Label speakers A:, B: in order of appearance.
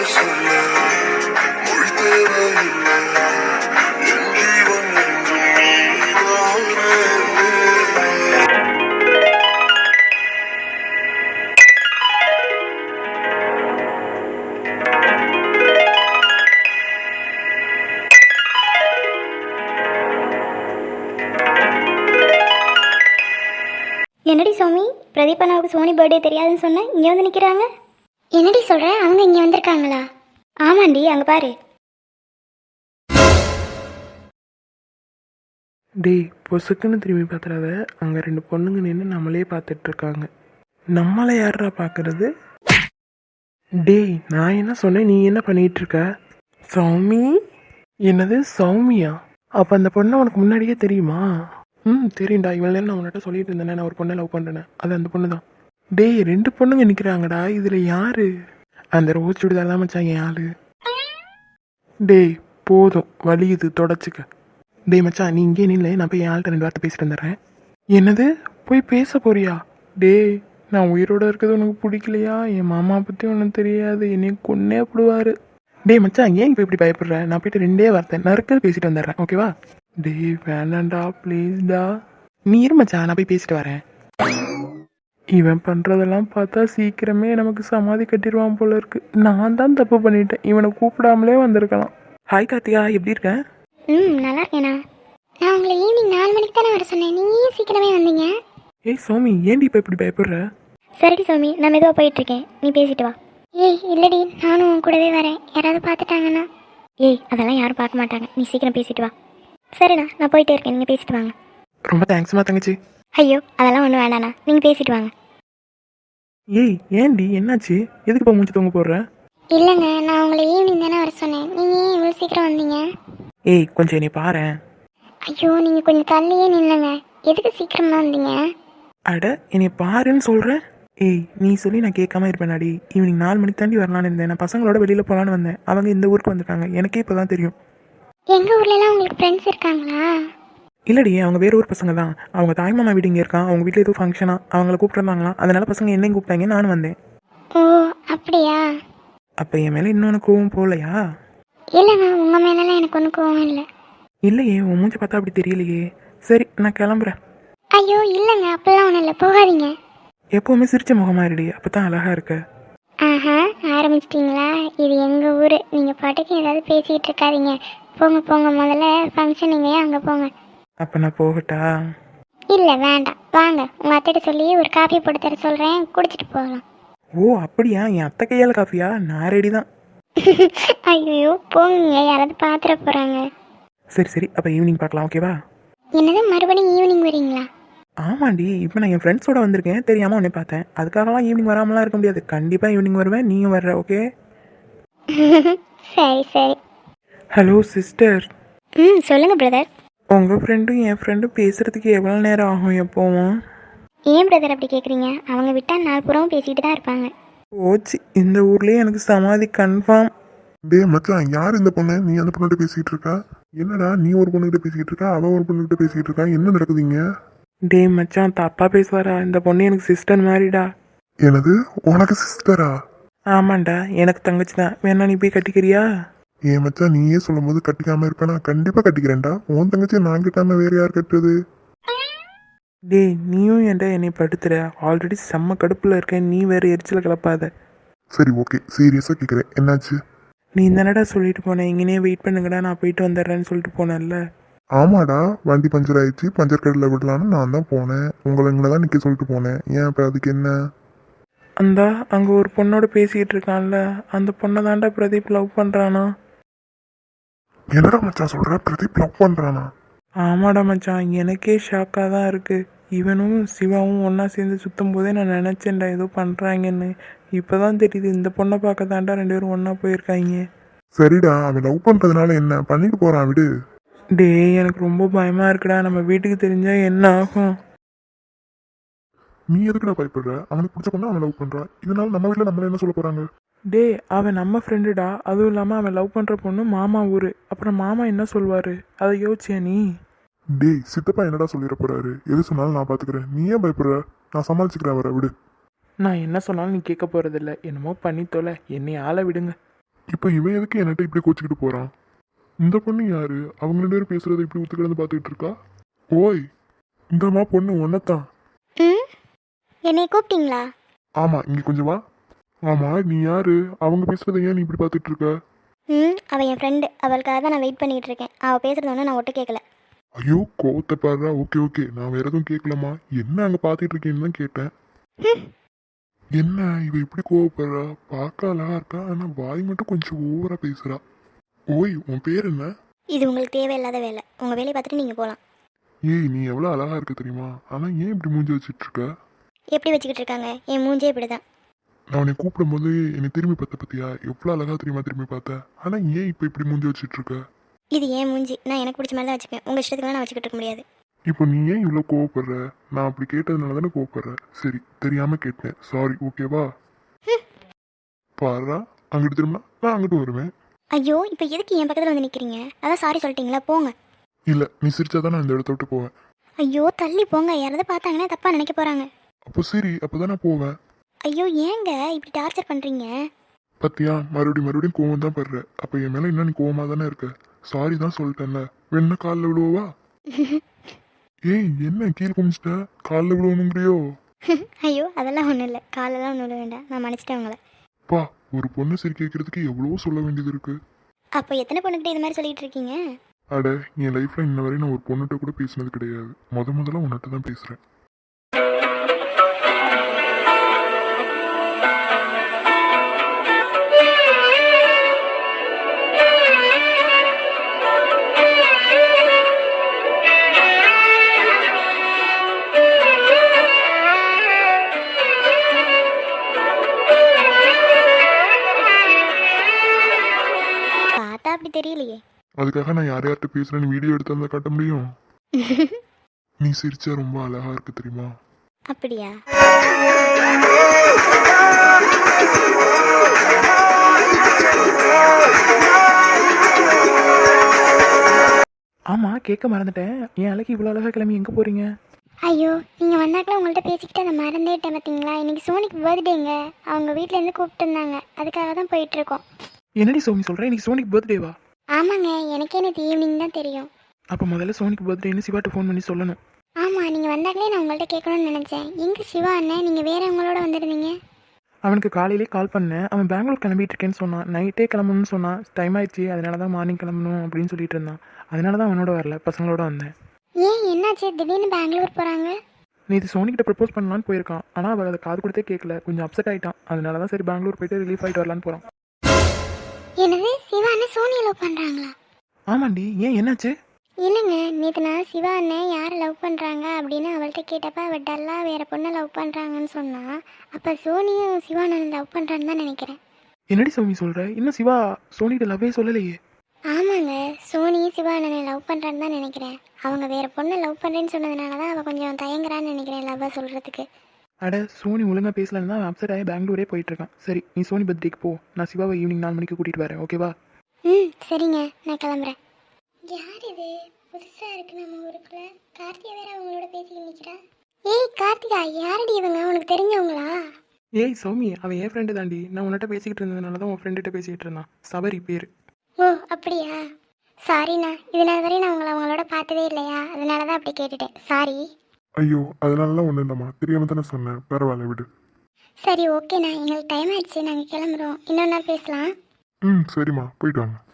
A: சொல்ல மொழி தேவையில்லை என் ஜீவன் என்றும் நீதானே.
B: என்னடி சோமி, பிரதீப் அண்ணாவுக்கு சோனி பர்த்டே தெரியாதுன்னு சொன்னேன், இங்கே வந்து நிற்கிறாங்க. என்னடி சொல்கிற, அவங்க இங்கே வந்திருக்காங்களா? ஆமாண்டி, அங்கே பாரு.
C: டேய், பொசுக்குன்னு திரும்பி பார்த்துறாத. அங்கே 2 பொண்ணுங்க நின்று நம்மளே பார்த்துட்டு இருக்காங்க. நம்மளை யாரா பார்க்கறது? டேய், நான் என்ன சொன்னேன், நீ என்ன பண்ணிட்டு இருக்க? சௌமி? என்னது சௌமியா? அப்போ அந்த பொண்ணை உனக்கு முன்னாடியே தெரியுமா? தெரியும்டா. இவ்வளோ நேரம் நான் உன்கிட்ட சொல்லிட்டு இருந்தேனே, நான் ஒரு பொண்ணை லவ் பண்ணுறேன். அது அந்த பொண்ணு தான். டேய், 2 பொண்ணுங்க நிற்கிறாங்கடா. இதில் யாரு? அந்த ரோஸ் சுடிதார் தான் மச்சான் என் ஆளு. டேய் போதும், வலியுது, தொடச்சிக்க. டேய் மச்சான், நீ இங்கே நில்ல, நான் போய் என் ஆள்கிட்ட 2 வார்த்தை பேசிட்டு வந்துடுறேன். என்னது, போய் பேச போறியா? டேய், நான் உயிரோட இருக்கிறது உனக்கு பிடிக்கலையா? என் மாமா பற்றி உனக்கு தெரியாது, என்னை கொன்னே போடுவார். டேய் மச்சான், ஏன் இப்போ இப்படி பயப்படுற? நான் போயிட்டு 2 வார்த்தை நறுக்கிறது பேசிட்டு வந்துடுறேன், ஓகேவா? டேய் வேணாண்டா, ப்ளீஸ்டா. நீ இரு மச்சான், நான் போய் பேசிட்டு வரேன். இவன் பண்ணுறதெல்லாம் பார்த்தா சீக்கிரமே நமக்கு சமாதி கட்டிடுவான் போல இருக்கு. நான் தான் தப்பு பண்ணிட்டேன், இவனை கூப்பிடாமலே வந்திருக்கலாம். ஹாய் கார்த்திகா, எப்படி இருக்க?
B: நல்லா இருக்கேண்ணா. நான் உங்களை ஈவினிங் 4 மணிக்கு தானே வர சொன்னேன், நீங்கள் ஏன் சீக்கிரமே வந்தீங்க?
C: ஏய் சோமி, ஏன்டி இப்போ இப்படி பயப்படுற?
B: சரிடி சோமி, நான் மெதுவாக போயிட்டுருக்கேன், நீ பேசிட்டு வா. ஏய் இல்லடி, நானும் உன் கூடவே வரேன். யாராவது பார்த்துட்டாங்கண்ணா? ஏய் அதெல்லாம் யாரும் பார்க்க மாட்டாங்க, நீ சீக்கிரம் பேசிட்டு வா. சரிண்ணா, நான் போயிட்டே இருக்கேன், நீங்கள் பேசிட்டு வாங்க.
C: ரொம்ப தேங்க்ஸ்மா தங்கச்சி.
B: ஐயோ அதெல்லாம் ஒன்றும் வேண்டாண்ணா, நீங்கள் பேசிட்டு வாங்க.
C: ஏய் ஏன்டி, என்னாச்சு? எதுக்கு இப்போ மூச்சு தூங்க போடுற?
B: இல்லைங்க, நான் உங்களை ஈவினிங் தானே வர சொன்னேன், நீங்கள் ஏன் இவ்வளோ சீக்கிரம் வந்தீங்க?
C: ஏய் கொஞ்சம் என்னை பாரேன்.
B: ஐயோ நீங்கள் கொஞ்சம் தள்ளியே நில்லுங்க, எதுக்கு சீக்கிரமாக வந்தீங்க?
C: அட, என்னை பாருன்னு சொல்கிறேன். ஏய் நீ சொல்லி நான் கேட்காம இருப்பேனாடி? ஈவினிங் 4 மணிக்கு தாண்டி வரலான்னு இருந்தேன். நான் பசங்களோட வெளியில் போகலான்னு வந்தேன். அவங்க இந்த ஊருக்கு வந்துட்டாங்க, எனக்கே இப்போ தான் தெரியும்.
B: எங்கள் ஊர்லலாம் உங்களுக்கு ஃப்ரெண்ட்ஸ் இருக்காங்களா?
C: இல்லடி, அவங்க வேறு ஊர் பசங்க தான். அவங்க தாய்மாமா வீடு இங்கே இருக்கான். அவங்க வீட்டில் ஏதோ ஃபங்க்ஷனா, அவங்கள கூப்பிட்டுருந்தாங்களாம். அதனால பசங்க என்னையும் கூப்பிட்டாங்க, நானும் வந்தேன்.
B: ஓ அப்படியா?
C: அப்போ என் மேலே இன்னொன்று கோவம் போகலையா?
B: இல்லைங்க, உங்கள் மேலெலாம் எனக்கு ஒன்றும் கோவம் இல்லை.
C: இல்லையே, உன் மூஞ்சி பார்த்தா அப்படி தெரியலையே. சரி, நான் கிளம்புறேன்.
B: ஐயோ இல்லைங்க, அப்படிலாம் ஒன்றும் இல்லை, போகாதீங்க.
C: எப்போவுமே சிரிச்ச முகமா இருடி, அப்போ தான் அழகாக இருக்க.
B: ஆஹா, ஆரம்பிச்சிட்டிங்களா? இது எங்கள் ஊர், நீங்கள் பாட்டுக்கு ஏதாவது பேசிக்கிட்டு இருக்காதீங்க. போங்க போங்க, முதல்ல ஃபங்க்ஷன் நீங்கள் ஏன் அங்கே போங்க.
C: அப்போ நான் போகட்டா?
B: இல்லை வேண்டாம், வாங்க உங்கள் அத்தைகிட்ட சொல்லி ஒரு காஃபி போட்டு தர சொல்கிறேன், குடிச்சிட்டு போகலாம்.
C: ஓ அப்படியா? என் அத்தை கையால் காஃபியா? நான் ரெடி தான்.
B: ஐயோ போங்க, யாராவது பார்த்துட போகிறாங்க.
C: சரி சரி, அப்போ ஈவினிங் பார்க்கலாம், ஓகேவா?
B: என்னது, மறுபடியும் ஈவினிங் வரீங்களா?
C: ஆமாண்டி, இப்போ நான் என் ஃப்ரெண்ட்ஸோட வந்திருக்கேன், தெரியாமல் உன்னை பார்த்தேன். அதுக்காகலாம் ஈவினிங் வராமலாம் இருக்க முடியாது. கண்டிப்பாக ஈவினிங் வருவேன், நீயும் வர்ற, ஓகே?
B: சரி சரி.
C: Hello sister.
B: சொல்லுங்கள் பிரதர்.
C: உங்கள் ஃப்ரெண்டும் என் ஃப்ரெண்டும் பேசுகிறதுக்கு எவ்வளோ நேரம் ஆகும் எப்போவும்?
B: ஏன் பிரதர் அப்படி கேட்குறீங்க? அவங்க விட்டால் நாள் பூராவும் பேசிக்கிட்டு தான் இருப்பாங்க.
C: ஓச்சு, இந்த ஊர்லேயே எனக்கு சமாதி கன்ஃபார்ம்.
A: டே மச்சான், யார் இந்த பொண்ணு? நீ அந்த பொண்ணுகிட்ட பேசிக்கிட்டு இருக்கா? என்னடா, நீ ஒரு பொண்ணுகிட்ட பேசிக்கிட்டு இருக்கா, அவன் ஒரு பொண்ணுகிட்ட பேசிக்கிட்டு இருக்கா, என்ன நடக்குதுங்க?
C: டே மச்சான், தப்பாக பேசுவாரா? இந்த பொண்ணு எனக்கு சிஸ்டர் மாதிரிடா.
A: எனது உனக்கு சிஸ்டரா?
C: ஆமாண்டா, எனக்கு தங்கச்சி தான். வேணா நீ போய் கட்டிக்கிறியா?
A: ஏன் மச்சான், நீயே சொல்லும் போது கட்டிக்காம இருப்பேனா? கண்டிப்பா கட்டிக்கிறேன்டா. உன் தங்கச்சி நான் கிட்டாம வேற யார் கட்டுறது?
C: டேய், நீயும் ஏன்டா என்னை படுத்துற? ஆல்ரெடி செம்ம கடுப்பில் இருக்கேன், நீ வேறு எரிச்சலை கிளப்பாத.
A: சரி ஓகே, சீரியஸா கேட்குறேன், என்னாச்சு?
C: நீ தானடா சொல்லிட்டு போனேன், இங்கேயே வெயிட் பண்ணுங்கடா, நான் போயிட்டு வந்துடுறேன்னு சொல்லிட்டு போனேன்ல.
A: ஆமாடா, வண்டி பஞ்சர் ஆயிடுச்சு, பஞ்சர் கடையில் விடலான்னு நான் தான் போனேன். உங்களை இங்கே தான் நிற்க சொல்லிட்டு போனேன். ஏன் இப்போ அதுக்கு என்ன?
C: அந்தா அங்கே ஒரு பொண்ணோட பேசிக்கிட்டு இருக்கான்ல, அந்த பொண்ணை தாண்டா பிரதீப் லவ் பண்ணுறானா.
A: என்னடா மச்சான் சொல்ற? பிரதீப் லவ் பண்றானா?
C: ஆமாடா மச்சான், எனக்கே ஷாக்காக தான் இருக்குது. இவனும் சிவாவும் ஒன்றா சேர்ந்து சுற்றும் போதே நான் நினச்சேன்டா ஏதோ பண்ணுறாங்கன்னு. இப்போ தான் தெரியுது, இந்த பொண்ணை பார்க்க தாண்டா 2 பேரும் ஒன்றா போயிருக்காங்க.
A: சரிடா, அவன் லவ் பண்றதுனால என்ன பண்ணிட்டு போறான், விடு.
C: டே, எனக்கு ரொம்ப பயமாக இருக்குடா. நம்ம வீட்டுக்கு தெரிஞ்சால் என்ன ஆகும்?
A: நீ எதுக்குடா பயப்படுற? அவனுக்கு பிடிச்ச பொண்ணு அவன் லவ் பண்றான். இதனால நம்ம வீட்டில் நம்மள என்ன சொல்ல போறாங்க?
C: டே, அவன் நம்ம ஃப்ரெண்டுடா. அதுவும் இல்லாமல் அவன் லவ் பண்ணுற பொண்ணு மாமா ஊர். அப்புறம் மாமா என்ன சொல்வார், அதை யோசிச்சியா நீ?
A: டேய், சித்தப்பா என்னடா சொல்லிட போறாரு? எது சொன்னாலும் நான் பாத்துக்கிறேன். நீ ஏன் பயப்படுற? நான் சமாளிச்சுக்கிறேன், வர விடு.
C: நான் என்ன சொன்னாலும் நீ கேட்க போகிறதில்ல. என்னமோ பண்ணி தொலை, என்னை ஆள விடுங்க.
A: இப்போ இவன் எதுக்கு என்கிட்ட இப்படி கோச்சிக்கிட்டு போறான்? இந்த பொண்ணு யாரு? அவங்க 2 பேரும் பேசுறதை இப்படி ஒத்துக்கிடந்து பார்த்துக்கிட்டு இருக்கா? ஓய், இந்தம்மா பொண்ணு ஒன்னத்தான்.
B: ம் என்னை கூப்பிட்டீங்களா?
A: ஆமா, இங்க கொஞ்சம் வா. ஆமா, நீ யாரு? அவங்க பேசுறதை ஏன் நீ இப்படி பார்த்துட்டு இருக்க?
B: அவள் என் ஃப்ரெண்டு, அவளுக்காக தான் நான் வெயிட் பண்ணிகிட்டு இருக்கேன். அவள் பேசுகிறது ஒன்றும் நான் ஒட்டு கேட்கல.
A: ஐயோ, கோவத்தை பாடுறா. ஓகே ஓகே, நான் வேற எதுவும் கேட்கலாமா? என்ன அங்க பார்த்துட்டு இருக்கேன்னு தான் கேட்டேன். என்ன இவ இப்படி கோவப்படுறா? பார்க்க அழகா இருக்கா, ஆனா வாய் மட்டும் கொஞ்சம் ஓவரா பேசுறா. ஓய், உன் பேர் என்ன?
B: இது உங்களுக்கு தேவையில்லாத வேலை. உங்கள் வேலையை பார்த்துட்டு நீங்கள் போகலாம்.
A: ஏய், நீ எவ்வளவு அழகா இருக்க தெரியுமா? ஆனா ஏன் இப்படி மூஞ்சி வச்சிட்டு இருக்க?
B: எப்படி வச்சுக்கிட்டு இருக்காங்க? என் மூஞ்சே இப்படி தான்.
A: நான் உன்னை கூப்பிடும் போது என்னை திரும்பி பார்த்த பத்தியா? எவ்வளவு அழகா தெரியுமா திரும்பி பார்த்த? ஆனா ஏன் இப்போ இப்படி மூஞ்சி வச்சிட்டு இருக்க?
B: இது ஏன் மூஞ்சி, நான் எனக்கு பிடிச்ச மாதிரி தான் வச்சுப்பேன். உங்கள் இஷ்டத்துக்குலாம் நான் வச்சுக்கிட்டு இருக்க முடியாது.
A: இப்போ நீ ஏன் இவ்வளோ கோவப்படுற? நான் அப்படி கேட்டதுனால தானே கோவப்படுற. சரி, தெரியாம கேட்டேன், சாரி, ஓகேவா? பாரா, அங்கிட்டு திரும்ப நான் அங்கிட்டு வருவேன்.
B: ஐயோ, இப்போ எதுக்கு என் பக்கத்தில் வந்து நிற்கிறீங்க? அதான் சாரி சொல்லிட்டீங்களா, போங்க.
A: இல்ல, நீ சிரிச்சாதான் நான் இந்த இடத்த விட்டு போவேன்.
B: ஐயோ, தள்ளி போங்க. யாராவது பார்த்தாங்கன்னா தப்பாக நினைக்க போகிறாங்க.
A: அப்போ சரி, அப்பதான் நான் போவேன்.
B: ஐயோ, ஏங்க இப்படி டார்ச்சர் பண்ணுறீங்க?
A: பத்தியா, மறுபடியும் கோவம் தான் படுற. அப்ப என் மேல இன்னும் நீ கோவமா தானே இருக்க. சாரி தான் சொல்லிட்டேன்ல, வேணா காலில் விழுவா? ஏய், என்ன கீழே குமிச்சிட்ட? காலில் விழுவணுங்கிறியோ?
B: ஐயோ, அதெல்லாம் ஒன்றும் இல்லை. காலெல்லாம் ஒன்றும் விட வேண்டாம். நான் மன்னிச்சிட்டேன் உங்களை.
A: பா, ஒரு பொண்ணு சிரிக்க வைக்கிறதுக்கு எவ்வளவோ சொல்ல வேண்டியது இருக்கு.
B: அப்போ எத்தனை பொண்ணுக்கிட்ட இது மாதிரி சொல்லிட்டு இருக்கீங்க?
A: அட, என் லைஃப்ல இன்ன வரை நான் ஒரு பொண்ணுகிட்ட கூட பேசினது கிடையாது. முதல்ல உன்கிட்ட தான் பேசுறேன்.
B: பார்த்தா அப்படி தெரியலையே.
A: அதுக்காக நான் யார்கிட்ட பேசுறேன்னு வீடியோ எடுத்து வந்தா காட்ட முடியும்? நீ சிரிச்சா ரொம்ப அழகா இருக்கு தெரியுமா?
B: அப்படியா?
C: ஆமாம், கேட்க மறந்துட்டேன். என் அழகு இவ்வளோ அழகாக கிளம்பி எங்கே போகிறீங்க?
B: ஐயோ, நீங்கள் வந்தாக்கெல்லாம் உங்கள்கிட்ட பேசிக்கிட்டு அதை மறந்துட்டேன். பார்த்தீங்களா, இன்னைக்கு சோனிக்கு பர்த்டேங்க. அவங்க வீட்டிலேருந்து கூப்பிட்டு இருந்தாங்க. அதுக்காக தான் போயிட்டுருக்கோம்.
C: என்னடி சோமி சொல்கிறேன், இன்னைக்கு சோனிக்கு பர்த்டேவா?
B: ஆமாங்க, எனக்கே நேற்று ஈவினிங் தான் தெரியும்.
C: அப்போ முதல்ல சோனிக்கு பர்த்டேன்னு சிவாட்ட ஃபோன் பண்ணி சொல்லணும்.
B: ஆமாம், நீங்கள் வந்தாக்கலே நான் உங்கள்கிட்ட கேட்கணும்னு நினச்சேன். எங்கே சிவா அண்ணன், நீங்கள் வேற உங்களோட வந்துருந்தீங்க?
C: அவனுக்கு காலையிலே கால் பண்ணேன். அவன் பெங்களூர் கிளம்பிட்டு இருக்கேன்னு சொன்னான். நைட்டே கிளம்பணும்னு சொன்னான். டைம் ஆயிடுச்சு, அதனால தான் மார்னிங் கிளம்பணும் அப்படின்னு சொல்லிட்டு இருந்தான். அதனால தான் அவனோட வரல, பசங்களோட வந்தேன்.
B: ஏன், என்னாச்சு திடீர்னு பெங்களூர் போகிறாங்க?
C: நேற்று சோனிக்கிட்ட ப்ரப்போஸ் பண்ணலான்னு போயிருக்கான். ஆனால் அவள் அதை காது கொடுத்தே கேட்கல. கொஞ்சம் அப்செட் ஆகிட்டான். அதனால தான் சரி பெங்களூர் போயிட்டு ரிலீஃப் ஆகிட்டு வரலான்னு போகிறான்.
B: என்னது, சிவா அண்ணன் சோனியை லவ் பண்ணுறாங்களா?
C: ஆமாண்டி, ஏன் என்னாச்சு?
B: இல்லைங்க, நேற்று நான் சிவா அண்ணன் யாரை லவ் பண்ணுறாங்க அப்படின்னு அவள்கிட்ட கேட்டப்ப அவள் டல்லாக வேறு பொண்ணை லவ் பண்ணுறாங்கன்னு சொன்னா. அப்போ சோனியும் சிவா அண்ணன் லவ் பண்ணுறான்னு தான் நினைக்கிறேன்.
C: என்னடி சோமி சொல்கிற? இன்னும் சிவா சோனிகிட்ட லவ்வே சொல்லலையே.
B: ஆமாங்க, சோனியும் சிவா அண்ணனை லவ் பண்ணுறான்னு தான் நினைக்கிறேன். அவங்க வேறு பொண்ணை லவ் பண்ணுறேன்னு சொன்னதுனால தான் அவள் கொஞ்சம் தயங்குறான்னு நினைக்கிறேன் லவ்வாக சொல்கிறதுக்கு.
C: அட, சோனி ஒழுங்காக பேசலன்னு தான் அவன் அப்செட் ஆகி பெங்களூரே போயிட்டு இருக்கான். சரி, நீ சோனி பர்த்டேக்கு போ. நான் சிவாவை ஈவினிங் 4 மணிக்கு கூட்டிகிட்டு வரேன், ஓகேவா?
B: சரிங்க, நான் கிளம்புறேன். யார் இது புதுசாக இருக்கு நம்ம ஊருக்குள்ள? கார்த்திகா வேற அவங்களோட பேசிக்கிட்டு நிற்கிறா. ஏய் கார்த்திகா, யாரடி இவங்க? உனக்கு தெரிஞ்சவங்களா?
C: ஏய் சௌமி, அவன் என் ஃப்ரெண்டு தாண்டி. நான் உன்கிட்ட பேசிக்கிட்டு இருந்ததுனால தான் உன் ஃப்ரெண்டுகிட்ட பேசிக்கிட்டு இருந்தான். சபரி பேர்.
B: ஓ அப்படியா? சாரிண்ணா, இதனால வரையும் நான் அவங்களோட பார்த்ததே இல்லையா, அதனால தான் அப்படி கேட்டுட்டேன். சாரி.
A: ஐயோ, அதனாலலாம் ஒன்றும் இல்லைம்மா, தெரியாம தானே சொன்னேன். பரவாயில்ல, விடு.
B: சரி ஓகேண்ணா, எங்களுக்கு டைம் ஆயிடுச்சு, நாங்கள் கிளம்புறோம். இன்னொரு நாள் பேசலாம்.
A: சரிம்மா, போயிட்டு வாங்க.